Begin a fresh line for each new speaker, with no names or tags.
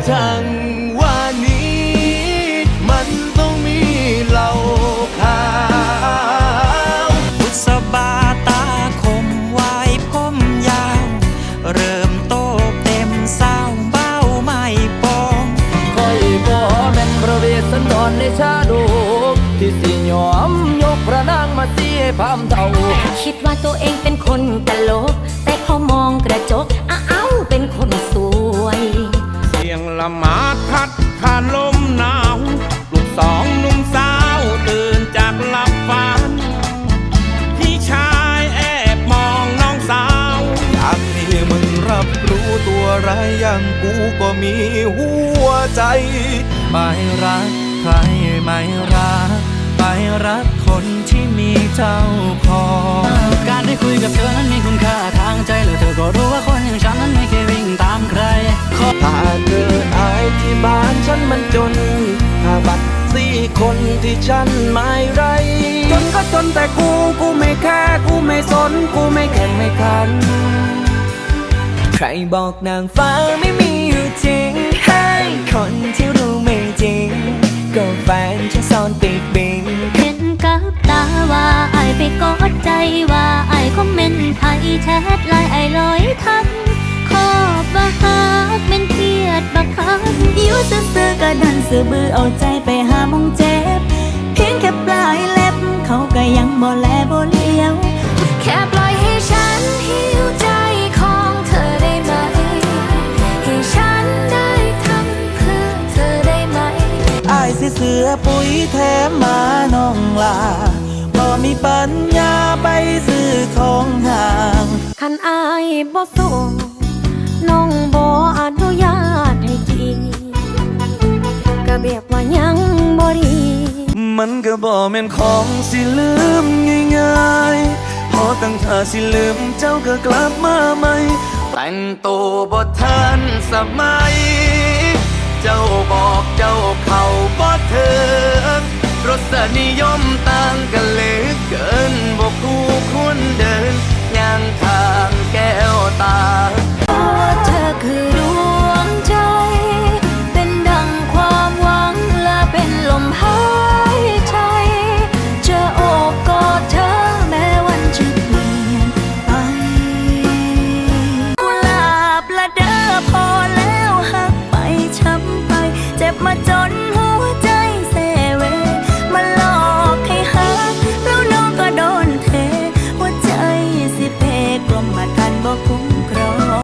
ช่างว่านี้มันต้องมีเหล้าขาว
บุษบาตาคมวายผมยาวเริ่มโตเต็มสาวเบ้าไม่ปอง
คอยบ่แม่นพระเวสสันดรในชาดกที่สิยอมยกพระนางมาเสียพามเท่า
คิดว่าตัวเองเป็นคนตลกแต่พอมองกระจกอ้าวเป็นคนสวย
เสียงละหมาดพัดผ่านลมหนาวลูกสองหนุ่มสาวตื่นจากหลับฝันพี่ชายแอบมองน้องสาว
อยากให้มึงรับรู้ตัวร้ายอย่างกูก็มีหัวใจไม่รักใครไม่รักไปรักคนที่มีเจ้าของ
การได้คุยกับเธอนั้นมีคุณค่าทางใจแล้วเธอก็รู้ว่าคนอย่างฉันนั้นไม่เคยวิ่งตามใคร
ถ้าเกิดอายที่บ้านฉันมันจนถ้าบัตรสี่คนที่ฉันไม่ไรจนก็จนแต่กูไม่แค่กูไม่สนกูไม่แข่งไม่ขันใครบอกนางฟ้าไม่มีอยู่จริงให้คนที่รู้ไม่จริงก็แฟนฉันซ่อนติดบิง
เห็นกับตาว่าไอไปกอดใจว่าไอคอมเมนต์ไทยแชทไลน์ไอลอยทักขอบบักฮักเป็นเครียดบักคักอยู่ซื่อๆก็ดันซื่อบื้อเอาใจไปหามองเจ็บเพียงแค่ปลายเล็บเขาก็ยังบ่แลบ่เลี้ยวแค่ปล่อยให้ฉันหิวใจของเธอได้ไหมให้ฉันได้ทำเพื่อเธอได้ไหม
อายสิเสือปุ๋ยแถมมาน้องลาบ่มีปัญญาไปซื้อของห่าง
คันอายบ่ส่งน้องบ่อนุญาตให้กินก็แบบว่ายังบ่ดี
มันก็บ่แม่นของสิลืมง่ายๆพอตั้งท่าสิลืมเจ้าก็กลับมาใหม่แต่งตัวบ่ทันสมัยเจ้าบอกเจ้าเข้าบ่ถึงรสนิยมต่างกันเหลือเกินบ่คู่ควรเดินย่างทางแก้วตา